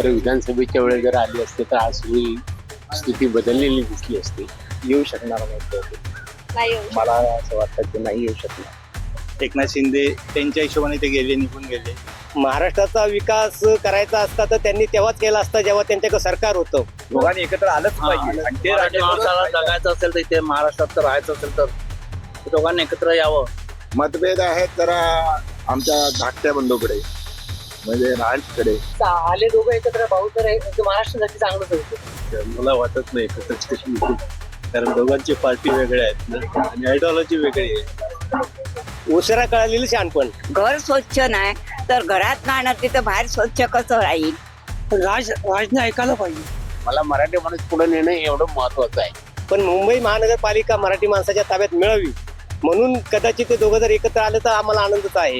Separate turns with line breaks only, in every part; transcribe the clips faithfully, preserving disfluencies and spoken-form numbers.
खरं विधानसभेच्या वेळेस जर आली असते तर आज सगळी स्थिती बदललेली दिसली असती.
येऊ शकणार नाही तो.
नाही येऊ
मला असं वाटतं की नाही येऊ शकणार.
एकनाथ शिंदे त्यांच्या हिशोबाने ते गेले, निघून गेले.
महाराष्ट्राचा विकास करायचा असता तर त्यांनी तेव्हाच केला असता जेव्हा त्यांच्याकडे सरकार होतं.
दोघांनी एकत्र आलंच पाहिजे आणि ते
मराठी माणसाला जगायचं असेल तर इथे महाराष्ट्रात तर राहायचं असेल तर दोघांनी एकत्र यावं.
मतभेद आहेत जरा आमच्या धाकट्या बंधूकडे म्हणजे राजकडे.
आले दोघं एकत्र भाऊ तर हे महाराष्ट्रासाठी चांगलंच होतं.
मला वाटत नाही एकत्र कशी होतील, कारण दोघांची पार्टी वेगळ्या आहेत ना आणि आयडिओलॉजी वेगळी आहे.
उशिरा कळालेलं शहाणपण.
घर स्वच्छ नाही तर घरात राहणार तिथं बाहेर स्वच्छ कसं राहील.
राज राजने ऐकायला पाहिजे.
मला मराठी माणूस पुढे नेणं एवढं महत्वाचं आहे.
पण मुंबई महानगरपालिका मराठी माणसाच्या ताब्यात मिळावी म्हणून कदाचित ते दोघं जर एकत्र आले तर आम्हाला आनंदच आहे.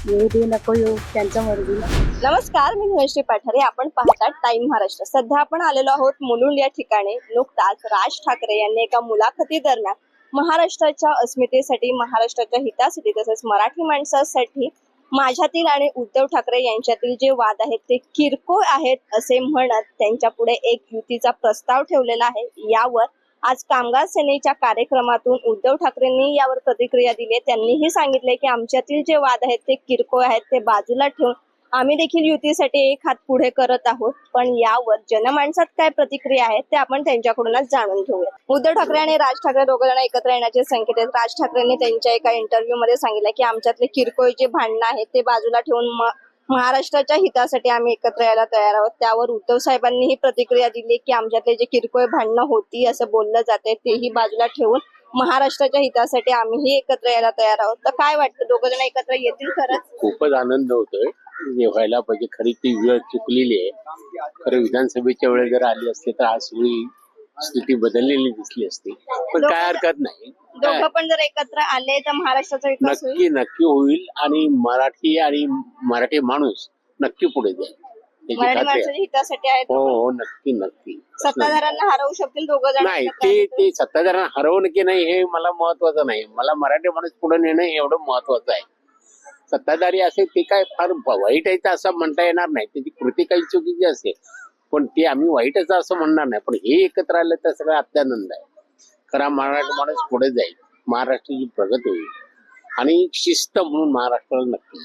नको येऊ त्यांच्या मर्जीला. नमस्कार, मी धनश्री पाठारे. आपण पाहतात टाइम महाराष्ट्र. सध्या आपण आलेलो आहोत मुलुंड या ठिकाणी. नुकताच राज ठाकरे यांनी एका मुलाखती दरम्यान महाराष्ट्राच्या अस्मितेसाठी, महाराष्ट्राच्या हितासाठी तसेच मराठी माणसासाठी माझ्यातील आणि उद्धव ठाकरे यांच्यातील जे वाद आहेत ते किरकोळ आहेत असे म्हणत त्यांच्या पुढे एक युतीचा प्रस्ताव ठेवलेला आहे. यावर आज कामगार सेनेच्या कार्यक्रमातून उद्धव ठाकरेंनी यावर प्रतिक्रिया दिली. त्यांनीही सांगितले की आमच्यातील जे वाद आहेत ते किरकोळ आहेत, ते बाजूला ठेवून आम्ही देखील युतीसाठी एक हात पुढे करत आहोत. पण यावर जनमानसात काय प्रतिक्रिया आहेत ते आपण त्यांच्याकडूनच जाणून घेऊया. उद्धव ठाकरे आणि राज ठाकरे दोघ जण एकत्र येण्याचे संकेत आहेत. राज ठाकरेंनी त्यांच्या एका इंटरव्ह्यू मध्ये सांगितलं की आमच्यातले किरकोळ जे भांडणं आहेत ते बाजूला ठेवून महाराष्ट्राच्या हितासाठी आम्ही एकत्र यायला तयार आहोत. त्यावर उद्धव साहेबांनीही प्रतिक्रिया दिली की आमच्यातले जे किरकोळ भांडणं होती असं बोललं जाते तेही बाजूला ठेवून महाराष्ट्राच्या हितासाठी आम्हीही एकत्र यायला तयार आहोत. तर काय वाटतं, दोघ जण एकत्र येतील खरंच?
खूपच आनंद होतोय. हे व्हायला पाहिजे. खरी ती वेळ चुकलेली आहे. खरं विधानसभेच्या वेळेस जर आली असते तर आज सगळी स्थिती बदललेली दिसली असती. पण काय हरकत नाही.
दोघं पण जर एकत्र आले तर महाराष्ट्राचा विकास होईल.
नक्की नक्की होईल आणि मराठी आणि मराठी माणूस नक्की पुढे जाईल. त्याची
मराठी
खात्री आहे.
माणसाच्या हितासाठी आहेत.
हो हो नक्की नक्की.
सत्ताधाऱ्यांना हरवू शकतील दोघं जण
नाही,
एकत्र
ते
आले तर?
ते सत्ताधाऱ्यांना हरवणं की नाही हे मला महत्वाचं नाही. मला मराठी माणूस पुढे नेणं एवढं महत्वाचं आहे. सत्ताधारी असेल ते काय फार वाईट आहे असं म्हणता येणार नाही. त्याची कृती काही चुकीची असेल पण ते आम्ही वाईटच असं म्हणणार नाही. पण हे एकत्र आलं तर सगळं अत्यानंद आहे. खरा मराठी माणूस पुढे जाईल, महाराष्ट्राची प्रगती होईल आणि शिस्त म्हणून महाराष्ट्राला नक्की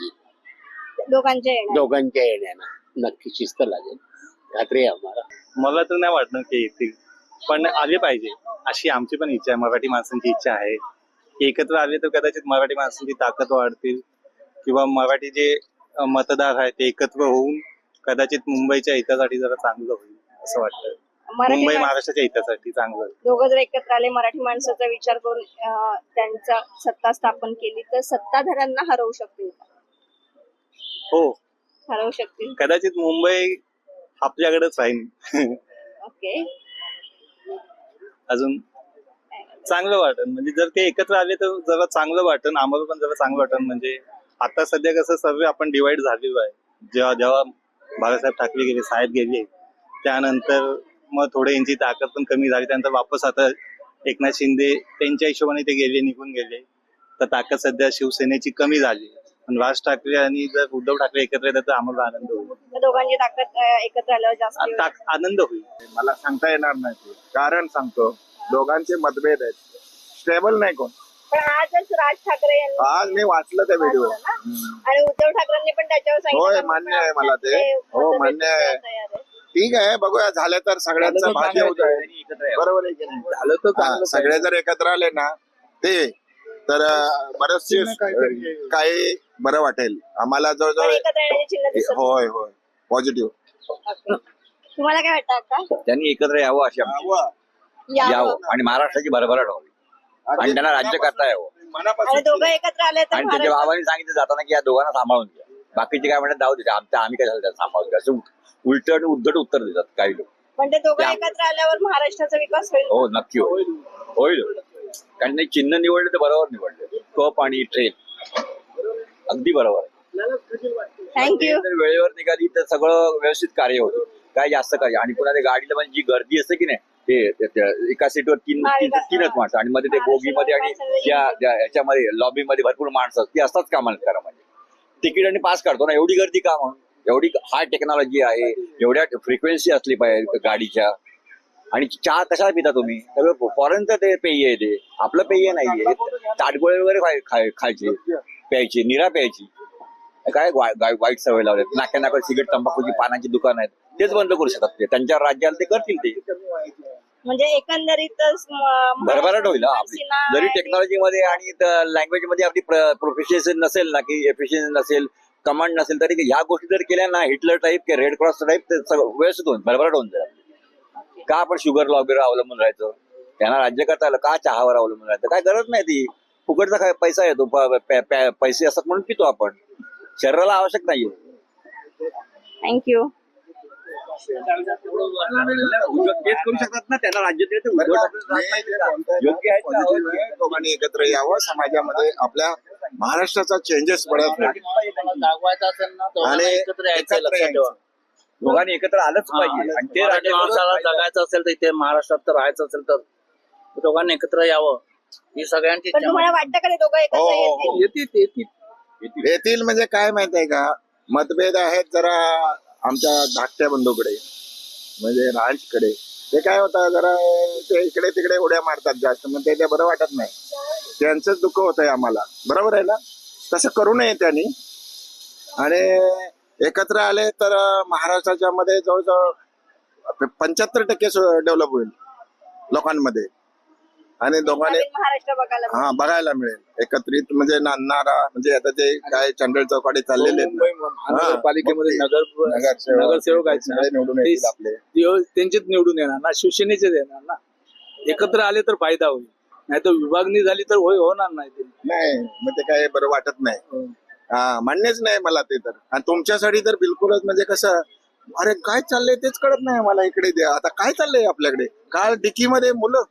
येईल.
दोघांच्या येण्यात.
दोघांच्या येण्यानं नक्की शिस्त लागेल, खात्री आहे आम्हाला.
मला तर नाही वाटणार की येतील, पण आले पाहिजे अशी आमची पण इच्छा आहे. मराठी माणसांची इच्छा आहे की एकत्र आले तर कदाचित मराठी माणसांची ताकद वाढतील किंवा मराठी जे मतदार आहेत ते एकत्र होऊन कदाचित मुंबईच्या हितासाठी जरा चांगलं होईल असं वाटतं.
मराठी
मुंबई
माणसं-
महाराष्ट्राच्या हितासाठी चांगलं होईल.
दोघं जर एकत्र आले, मराठी माणसाचा विचार करून अं, त्यांचा सत्ता स्थापन केली तर सत्ताधाऱ्यांना हरवू शकतील का?
हो,
हरवू शकतील.
कदाचित मुंबई आपल्याकडेच राहील.
ओके.
अजून चांगलं वाटन म्हणजे जर ते एकत्र आले तर जरा चांगलं वाटन, आम्हाला पण जरा चांगलं वाटन. म्हणजे आता सध्या कसं सर्व आपण डिवाइड झालेलो आहे. जेव्हा जेव्हा बाळासाहेब ठाकरे गेले, साहेब गेले, त्यानंतर मग थोडे यांची ताकद पण कमी झाली. त्यानंतर वापस आता एकनाथ शिंदे त्यांच्या हिशोबाने ते गेले, निघून गेले, तर ताकद सध्या शिवसेनेची कमी झाली. पण राज ठाकरे आणि जर उद्धव ठाकरे एकत्र येतात तर आम्हाला आनंद होईल.
तर दोघांची ताकद अं, एकत्र आल्यावर जास्त होईल.
ताक- आनंद होईल.
मला सांगता येणार नाही ते. कारण सांगतो दोघांचे मतभेद आहेत. स्टेबल नाही कोण.
पण आजच राज ठाकरे यांनी
आज मी वाचलं त्या व्हिडिओ.
वाचलं ना? आणि उद्धव ठाकरेंनी पण त्याच्यावर सांगितलं
होय,
की
मान्य
आपण
आहे मला ते.
आपल्यातले
हो,
मतभेद
मान्य आहे.
तयार आहे.
ठीक आहे, बघूया झालं तर सगळ्यांचं भाग्य होत आहे. बरोबर आहे की नाही?
झालं तर
हा,
चांगलं.
सगळे जर एकत्र आले ना ते तर अं, बरेचसे अं, काही बरं वाटेल आम्हाला.
पण
जवळजवळ
एकत्र येण्याची चिन्ह दिसत नाही.
होय होय पॉझिटिव्ह.
ओके. तुम्हाला काय वाटतं का?
त्यांनी एकत्र यावं अशी आमची
यावं.
यावं आणि महाराष्ट्राची भरभराट व्हावी आणि त्यांना राज्य करता यावं.
आणि दोघं एकत्र आले तर
आणि त्यांच्या
महाराष्ट्र-
बाबांनी सांगितलं जाताना की या दोघांना सांभाळून घ्या. बाकीचे काय म्हणतात जाऊ दे, आमच्या आम्ही काय झालं त्याला सांभाळून घ्या असं उलट आणि उद्धट उत्तर देतात काही लोक.
पण ते दोघं
त्या-
एकत्र आल्यावर महाराष्ट्राचा विकास होईल.
हो नक्की होईल होईल कारण ते चिन्ह निवडले तर बरोबर निवडले. कप आणि ट्रेन अगदी बरोबर आहे.
थँक्यू.
जर वेळेवर निघाली तर सगळं व्यवस्थित कार्य होतं. काय जास्त कार्य आणि पुन्हा ते गाडीला म्हणजे जी गर्दी असते की नाही ते ते- ते एका सीटवर तीन तीन- तीनच माणसं आणि मध्ये ते बोगीमध्ये आणि त्या त्या याच्यामध्ये लॉबीमध्ये भरपूर माणसं ती असतात कामाला करा म्हणजे तिकीट आणि पास काढतो ना एवढी गर्दी का म्हणून एवढी हाय टेक्नॉलॉजी आहे, एवढ्या फ्रिक्वेन्सी असली पाहिजे गाडीच्या. आणि चहा कशाला पिता तुम्ही? सगळं फॉरेनचं ते पेय आहे, ते आपलं पेय नाहीये. ताटगोळे वगैरे खाय खाय- खायचे, प्यायची, निरा प्यायची. काय वाय- वाय- वाईट सवय लावल्यात. नाक्या नाका सिगरेट, तंबाखूची पानाची दुकान आहेत, तेच बंद करू शकतात ते. त्यांच्या राज्याला ते करतील ते.
म्हणजे एकंदरीतच म-
भरभराट होईल हा आपली.
महाराष्ट्र
जरी
आणि-
टेक्नॉलॉजी मध्ये आणि लँग्वेज मध्ये आपली प्रोफिशियन्सी नसेल ना, की एफिशियन्सी नसेल, कमांड नसेल, तरी ह्या गोष्टी जर केल्या ना, हिटलर टाईप किंवा रेड क्रॉस टाईप, ते सगळं व्यवस्थित होऊन भरभराट होऊन जाईल. का आपण शुगरला वगैरे अवलंबून राहायचं? त्यांना राज्य करता आलं का चहावर अवलंबून राहायचं? काय गरज नाही. ती फुकटचा काय पैसा येतो, प- प- प- पैसे असतात म्हणून पितो आपण. शरीराला आवश्यक नाहीये.
थँक्यू.
उद्योग तेच करू शकतात ना, त्यांना राज्य दिलं तर उद्योग योग्य आहे का?
दोघांनी एकत्र यावं, समाजामध्ये आपल्या महाराष्ट्राचा चेंजेस पडत नाही.
दाखवायचं असेल ना
आणि
एकत्र यायचं,
एकत्र
लक्षात ठेवा.
दोघांनी एकत्र आलंच पाहिजे. आणि ते
मराठी
राज्य
माणसाला जगायचं असेल तर इथे महाराष्ट्रात तर राहायचं असेल तर दोघांनी एकत्र यावं ही सगळ्यांची
पण
इच्छा.
तुम्हाला वाटतं का ते दोघं
हो,
एकत्र
हो,
येतील?
हो.
येतील येतील
येतील म्हणजे काय माहित आहे का, मतभेद आहेत जरा आमच्या धाकट्या बंधूकडे, म्हणजे राजकडे. ते काय होतं, जरा ते इकडे तिकडे उड्या मारतात जास्त, मग ते ते बरं वाटत नाही. त्यांचंच दुःख होत आहे आम्हाला. बरोबर आहे ना? तसं करू नये त्यांनी. आणि एकत्र आले तर महाराष्ट्राच्या मध्ये जवळजवळ पंच्याहत्तर टक्के डेव्हलप होईल लोकांमध्ये. आणि दोघांनी
नवीन महाराष्ट्र बघायला मिळेल.
हा बघायला मिळेल एकत्रित, म्हणजे नांदणारा, म्हणजे आता ते काय चंडळ चौकाडी चाललेले आहेत ना.
महानगरपालिकेमध्ये नगर
नगरसेवक
नगरसेवक आहेत ना,
सगळे निवडून येतील आपले.
ते- त्यांचेच निवडून येणार ना, शिवसेनेचेच येणार ना. एकत्र आले तर फायदा होईल, नाही तर विभागणी झाली तर होय होणार नाही ते.
नाही, मग ते काय बरं वाटत नाही. हा, मान्यच नाही मला ते तर. आणि तुमच्यासाठी तर बिलकुलच, म्हणजे कसं, अरे काय चाललंय तेच कळत नाही मला. इकडे द्या, आता काय चाललंय आपल्याकडे. काल डिकीमध्ये मुलं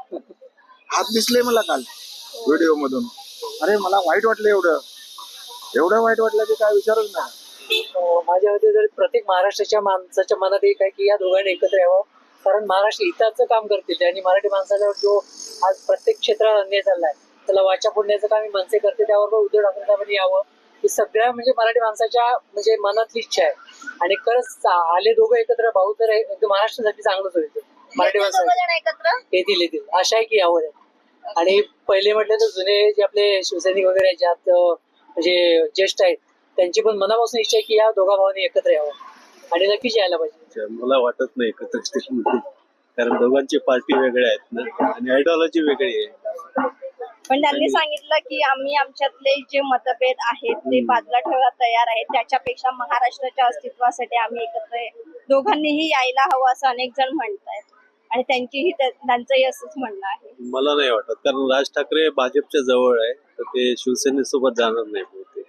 हात दिसले मला काल व्हिडिओ मधून. अरे मला वाईट वाटलं, एवढं एवढं वाईट वाटलं की काय विचारच नाही.
अं, माझ्या मते जर प्रत्येक महाराष्ट्राच्या माणसाच्या मनात एक आहे की या दोघांनी एकत्र यावं, कारण महाराष्ट्र हिताचं काम करतील. आणि मराठी माणसाला जो आज प्रत्येक क्षेत्रात अन्याय चाललाय त्याला वाचा फोडण्याचं काम ही मनसे करते. त्यावर उद्धव ठाकरे साहेबांनी यावं ही सगळ्या म्हणजे मराठी माणसाच्या म्हणजे मनातली इच्छा आहे. आणि खरंच आले दोघं एकत्र भाऊ तर एकदम महाराष्ट्रासाठी चांगलंच होईल. मराठी
येतील दोघं
माणसासाठी
जण एकत्र?
येतील येतील आशा आहे की यावं. आणि पहिले म्हटलं तर जुने जे आपले शिवसैनिक वगैरे आहेत, ज्यात अं, म्हणजे ज्येष्ठ आहेत, त्यांची पण मनापासून इच्छा आहे की या दोघा भावांनी एकत्र यावं आणि नक्कीच यायला पाहिजे.
मला वाटत नाही एकत्र स्टेशन होतील, कारण दोघांची पार्टी वेगळ्या आहेत ना, आणि आयडिओलॉजी वेगळी आहे.
पण त्यांनी सांगितलं की आम्ही आमच्यातले जे मतभेद आहेत ते बाजूला ठेवायला तयार आहेत, त्याच्यापेक्षा महाराष्ट्राच्या अस्तित्वासाठी आम्ही एकत्र दोघांनीही यायला हवं असं अनेक जण म्हणतायत. आणि त्यांचीही त्या- त्यांचंही असंच म्हणणं आहे.
मला नाही वाटत, कारण राज ठाकरे भाजपच्या जवळ आहे, तर ते शिवसेनेसोबत जाणार नाही बहुतेक.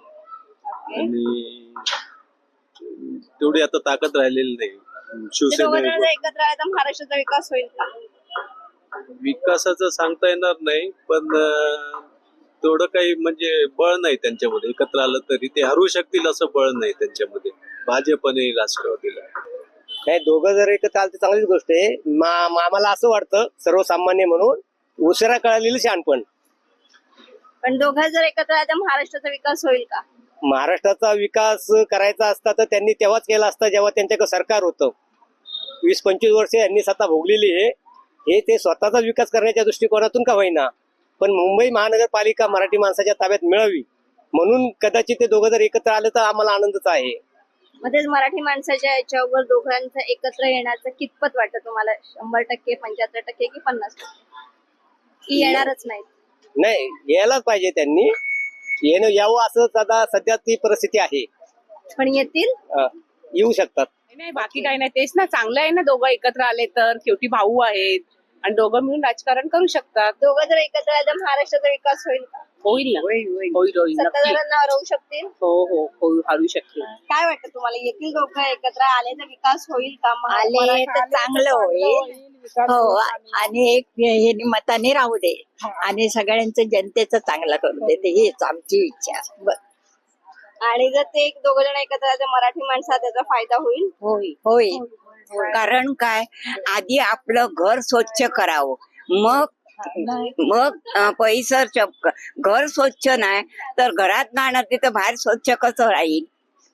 आणि तेवढी आता ताकद राहिलेली नाही
ते दोघं
शिवसेने.
जण जर एकत्र आले तर महाराष्ट्राचा विकास होईल का?
विकासाचं सांगता येणार नाही, पण अं, तेवढं काही म्हणजे बळ नाही त्यांच्यामध्ये. एकत्र आलं तरी ते हरू शकतील असं बळ नाही त्यांच्यामध्ये, भाजप आणि राष्ट्रवादीला.
नाही, दोघं जर एकत्र आलं तर चांगलीच गोष्ट आहे. मा- मा- आम्हाला असं वाटतं सर्वसामान्य म्हणून, उशिरा कळालेलं शहाणपण.
पण दोघं जर एकत्र आले तर महाराष्ट्राचा विकास होईल का?
महाराष्ट्राचा विकास करायचा असता तर त्यांनी तेव्हाच केला असता जेव्हा त्यांच्याकडे सरकार होतं. वीस पंचवीस वर्षे यांनी सत्ता भोगलेली आहे. हे ते स्वतःचा विकास करण्याच्या दृष्टिकोनातून का होईना, पण मुंबई महानगरपालिका मराठी माणसाच्या ताब्यात मिळावी म्हणून कदाचित ते दोघं जर एकत्र आले तर आम्हाला आनंदच आहे.
मग तेच मराठी माणसाच्या याच्यावर दोघांचं एकत्र येण्याचं कितपत वाटतं तुम्हाला? शंभर टक्के, पंच्याहत्तर टक्के की पन्नास टक्के की येणारच नाही?
नाही, यायलाच पाहिजे त्यांनी. येणं यावं असं सदा सध्या ती परिस्थिती आहे.
पण येतील.
अं, येऊ शकतात.
नाही, बाकी काही नाही. तेच ना, चांगलं आहे ना दोघं एकत्र आले तर. शेवटी भाऊ आहेत आणि दोघं मिळून राजकारण करू शकतात.
दोघं जर एकत्र आले तर महाराष्ट्राचा विकास होईल का?
होईल ना, होईल होईल नक्की.
सत्ताधाऱ्यांना हरवू शकतील.
हो हो हो हरू शकतील.
काय वाटतं तुम्हाला? येतील दोघं एकत्र आले तर विकास होईल का? महा-
आले
मराठा-
तर चांगलं होईल. हो, आणि एक हे मताने राहू दे आणि सगळ्यांचं जनतेचं चांगलं करू दे, हीच आमची इच्छा. ब-
आणि जर ते एक दोघं जण एकत्र आले तर मराठी माणसाला त्याचा फायदा होईल.
होईल होईल. कारण काय, आधी आपलं घर स्वच्छ करावं, मग मग अं, परिसर च- घर स्वच्छ नाही तर घरात राहणार तिथं बाहेर स्वच्छ कसं राहील?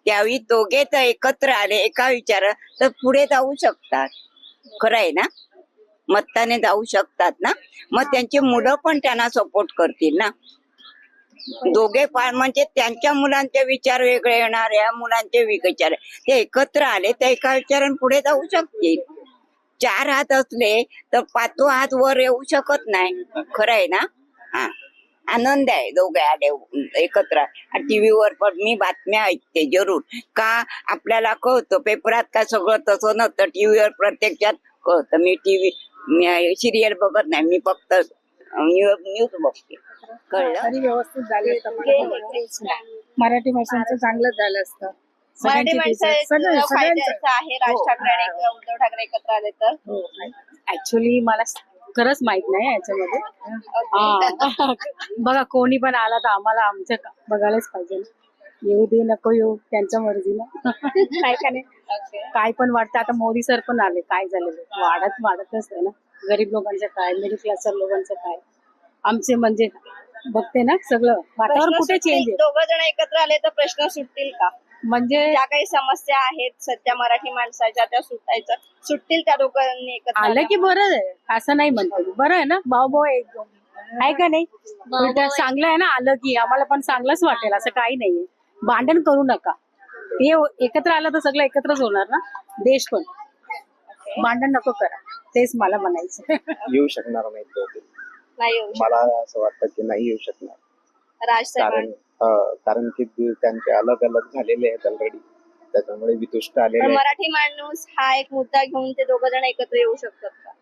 त्यावेळी दोघे तर एकत्र आले एका विचार तर पुढे जाऊ शकतात. खरं आहे ना, मताने जाऊ शकतात ना, मग त्यांची मुलं पण त्यांना सपोर्ट करतील ना. दोघे फार म्हणजे त्यांच्या मुलांचे विचार वेगळे येणार, या मुलांचे विचार, ते एकत्र आले तर एका विचाराने पुढे जाऊ शकतील. चार हात असले तर पाचवा हात वर येऊ शकत नाही. खरं आहे ना. हा, आनंद आहे दोघे आले एकत्र. टीव्हीवर पण मी बातम्या ऐकते जरूर, का आपल्याला कळतं. पेपरात का सगळं तसं नसतं, टीव्हीवर प्रत्यक्षात कळतं. मी टीव्ही सिरियल बघत नाही, मी फक्त न्यूज बघते. कळलं.
तरी व्यवस्थित झाले मराठी भाषांचं चांगलं झालं असतं.
मराठी माणसाचा
सगळं-
फायदा
सगळ्यांचं.
असा आहे राज ठाकरे आणि उद्धव ठाकरे एकत्र आले तर.
ऍक्च्युली मला खरंच माहित नाही याच्यामध्ये. हा. बघा कोणी पण आला तर आम्हाला आमचं का- बघायलाच पाहिजे ना. येऊ दे नको येऊ त्यांच्या मर्जीला. काय का नाही. काय पण वाटतं. आता मोदी सर पण आले, काय झालेलं वाढत वाढतच आहे ना. गरीब लोकांचं काय, मिडल क्लास लोकांचं काय, आमचे म्हणजे बघते ना सगळं वातावरण कुठे चेंज आहे.
दोघ जण एकत्र आले तर प्रश्न सुटतील का?
म्हणजे
ज्या काही समस्या आहेत सध्या मराठी माणसाच्या त्या सुटायच्या सुटतील त्या दोघांनी एकत्र
आलं की बरं आहे, असं नाही म्हणतो. बरं आहे ना, भाऊ भाऊ एक दोन आहे का नाही. उलट चांगलं आहे ना, आलं की आम्हाला पण चांगलंच वाटेल. असं काही नाहीये. भांडण करू नका. ते एकत्र आलं तर सगळं एकत्रच होणार ना. देश पण. भांडण नको करा, तेच मला म्हणायचं.
येऊ शकणार नाही दोघे.
नाही येऊ
मला असं वाटतं की नाही येऊ शकणार.
शकत. राज
कारण
साहेबांनी
अं, कारण की ते त्यांचे अलग अलग झालेले आहेत ऑलरेडी, त्याच्यामुळे वितुष्ट आलेले
पण
आहेत.
मराठी माणूस हा एक मुद्दा घेऊन ते दोघ जण एकत्र येऊ शकतात का?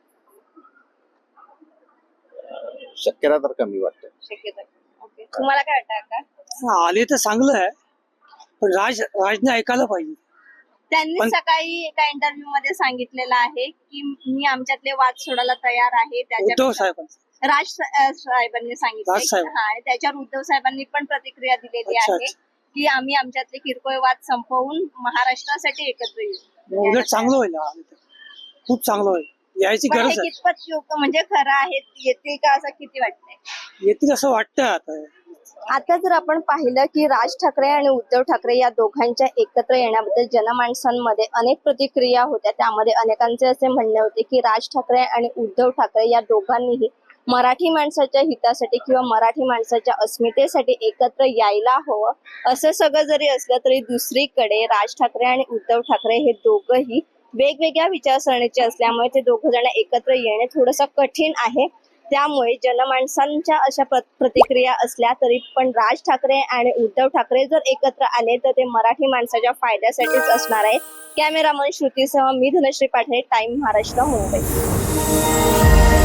शक्यता तर कमी वाटतं.
शक्यता. ओके, तुम्हाला काय वाटतं का?
आले तर चांगलं आहे, पण राज राजने ऐकायला पाहिजे.
त्यांनी
पण-
सकाळी एका इंटरव्ह्यू मध्ये सांगितलेलं आहे की मी आमच्यातले वाद सोडायला तयार आहे.
उद्धव
त्याच्या
साहेब
राज सा- साहेबांनी सांगितलं
राज साहेब.
हा, आणि त्याच्यावर उद्धव साहेबांनी पण प्रतिक्रिया दिलेली
अच्छा,
आहे की आम्ही आमच्यातले किरकोळ वाद संपवून महाराष्ट्रासाठी एकत्र येऊ.
उलट चांगलं होईल, आले तर. खूप चांगलं होईल, यायची
पण हे
गरज आहे.
कितपत योग्य म्हणजे खरं आहे, येतील का असं किती वाटतंय?
येतील असं वाटतं आता.
आता जर आपण पाहिलं की राज ठाकरे आणि उद्धव ठाकरे या दोघांच्या एकत्र येण्याबद्दल जनमानसांमध्ये अनेक प्रतिक्रिया होत्या. त्यामध्ये अनेकांचे असे म्हणणे होते की राज ठाकरे आणि उद्धव ठाकरे या दोघांनीही मराठी माणसाच्या हितासाठी किंवा मराठी माणसाच्या अस्मितेसाठी एकत्र यायला हवं. असं सगळं जरी असलं तरी दुसरीकडे राज ठाकरे आणि उद्धव ठाकरे हे दोघंही वेगवेगळ्या विचारसरणीचे असल्यामुळे ते दोघं जण एकत्र येणे थोडंसं कठीण आहे. त्यामुळे जनमानसांच्या अशा प्र- प्रतिक्रिया असल्या तरी पण राज ठाकरे आणि उद्धव ठाकरे जर एकत्र आले तर ते मराठी माणसाच्या फायद्यासाठीच असणार आहे. कॅमेरामन श्रुतीसह मी धनश्री पाठरे, टाइम महाराष्ट्र, मुंबई.